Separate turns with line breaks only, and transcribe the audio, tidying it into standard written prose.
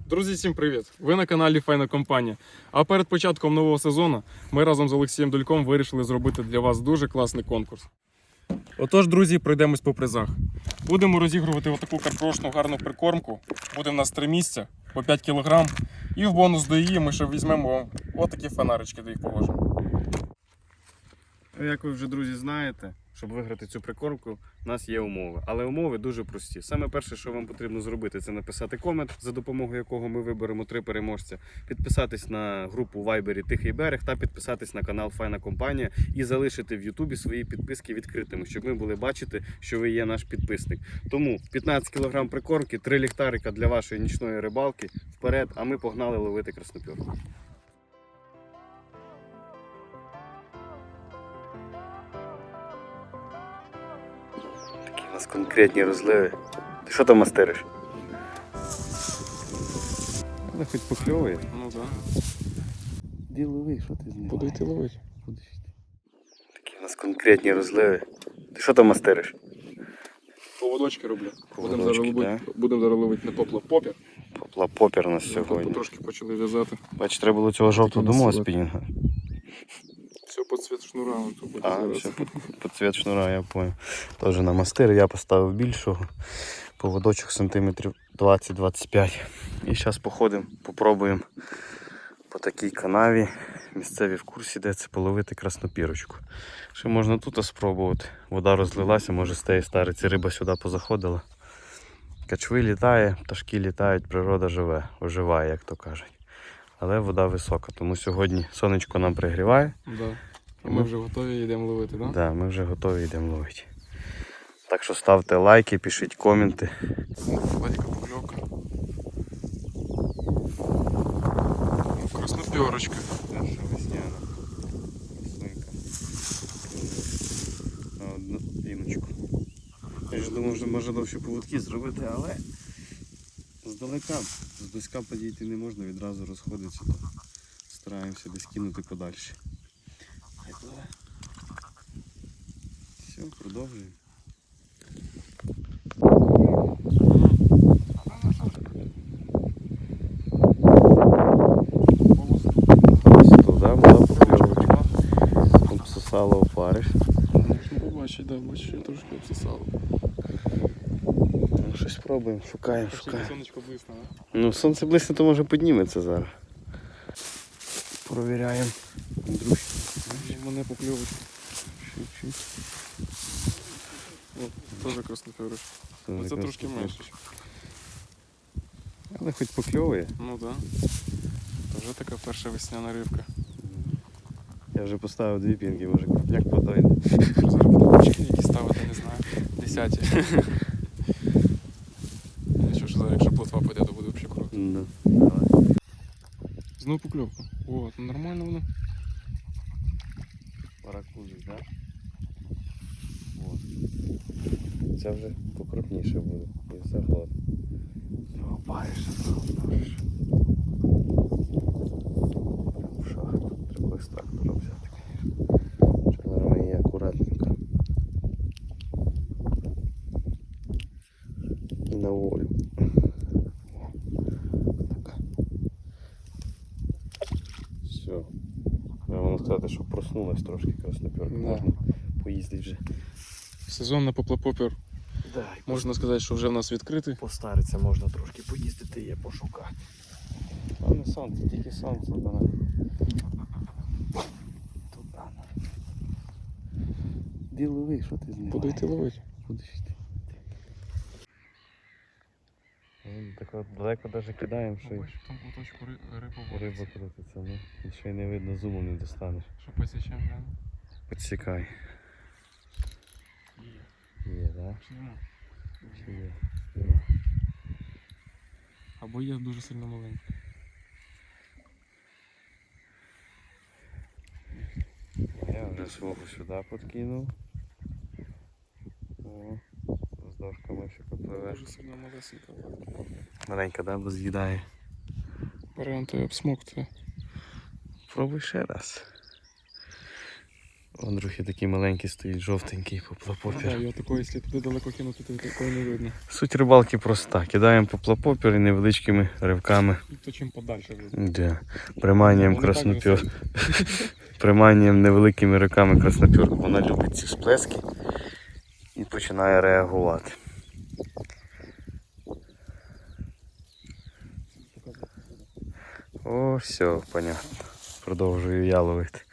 Друзі, всім привіт! Ви на каналі Файна Компанія. А перед початком нового сезону ми разом з Олексієм Дульком вирішили зробити для вас дуже класний конкурс. Отож, друзі, пройдемось по призах. Будемо розігрувати отаку карпрошну гарну прикормку. Буде в нас 3 місця по 5 кг. І в бонус до її ми ще візьмемо отакі фонарички, де їх положимо.
Як ви вже, друзі, знаєте, щоб виграти цю прикормку, у нас є умови. Але умови дуже прості. Саме перше, що вам потрібно зробити, це написати комент, за допомогою якого ми виберемо 3 переможця, підписатись на групу в Вайбері Тихий берег та підписатись на канал Файна Компанія і залишити в Ютубі свої підписки відкритими, щоб ми були бачити, що ви є наш підписник. Тому 15 кг прикормки, 3 ліхтарика для вашої нічної рибалки вперед, а ми погнали ловити краснопірку. У нас конкретні розливи. Ти що там мастериш? Але хоч покльовує.
Ну так.
Ді лови, що ти знімаєш?
Буду йти ловити.
Такі у нас конкретні розливи. Ти що там мастериш?
Поводочки роблю.
Поводочки,
Будемо зараз ловити не поплав-попір.
Поплав-попір у нас сьогодні.
Трошки почали в'язати.
Бач, треба було цього жовтого думала спінінга.
Все під цвіт шнура.
Все, під цвіт шнура, я понял. Теж на мастир я поставив більшого. Поводочок сантиметрів 20-25. І зараз походимо, попробуємо по такій канаві. Місцеві в курсі, де це половити краснопірочку. Ще можна тут спробувати. Вода розлилася, може з тієї стариці риба сюди позаходила. Качви літає, пташки літають, природа живе, оживає, як то кажуть. Але вода висока, тому сьогодні сонечко нам пригріває.
Да. І ми вже готові йдемо ловити, так?
Да, ми вже готові йдемо ловити. Так що ставте лайки, пишіть коменти.
Батька покльовка. Краснопірочка.
Перша весняна. Веснинка. На одну піночку. Я ж думав, що може довші поводки зробити, але здалека, зблизька підійти не можна, відразу розходиться. Стараємося десь кинути подальше. Все, продовжуємо. Туди була покльовочка. Обсосала опариш.
Можна побачити, да, бачиш, що трошки обсосало.
Ну, щось пробуємо, шукаємо.
Сонечко блисне, а?
Ну, сонце блисне, то може підніметься зараз. Провіряємо. Андрюш.
Мене покльовочка. Теж краснопірочка. Оце трошки менше.
Але хоч покльовує.
Ну так. Це вже така перша весняна рибка.
Я вже поставив 2 пінки, може крупняк подойде.
Зараз буду очки які ставити, не знаю. 10. Нічого, що зараз, якщо плотва піде, то буде взагалі круто.
Да.
Знову покльовка. О, то нормально воно.
Паракузик, так? Да? Це вже покрупніше буде. І все гладко. Опариша, опариш. В шахту. Треба екстрактора взяти, звісно. Чоловіка є акуратненько. І на волю. Так. Все. Я можу сказати, що проснулась трошки краснопірка.
Да.
Можна поїздити вже.
Сезон на поплав-попір.
Да,
Можна сказати, що вже в нас відкритий.
постариться, можна трошки поїздити і пошукати. А не сонце, тільки сонце. Туди. Ді лови, що ти знімаєш?
Буду йти ловити.
Будеш йти. Так от далеко навіть кидаємо, що
Бачиш, в тому куточку риба
риба крутиться, ну. І ще й не видно, зумом не достанеш.
Що посічемо, глянь?
Підсікай. Є, так?
Чи нема?
Чи є?
Або є дуже сильно маленький.
Я вже свого сюди подкинув. О, з дошками ще попливе.
Дуже сильно малесенька.
Маленька, да, бо з'їдає.
Варіант обсмоктує.
Пробуй ще раз. Андрюхи такий маленький стоїть, жовтенький
Так,
поплапопір.
його такої, якщо туди далеко кинути, то такої не видно.
Суть рибалки проста. Кидаємо поплапопір і невеличкими ривками.
То чим подальше видно.
Де? Приманюємо
Вони так
краснопір.
висять.
Приманюємо невеликими риками краснопірку. Вона любить ці сплески і починає реагувати. О, все, понятно. Продовжую я ловити.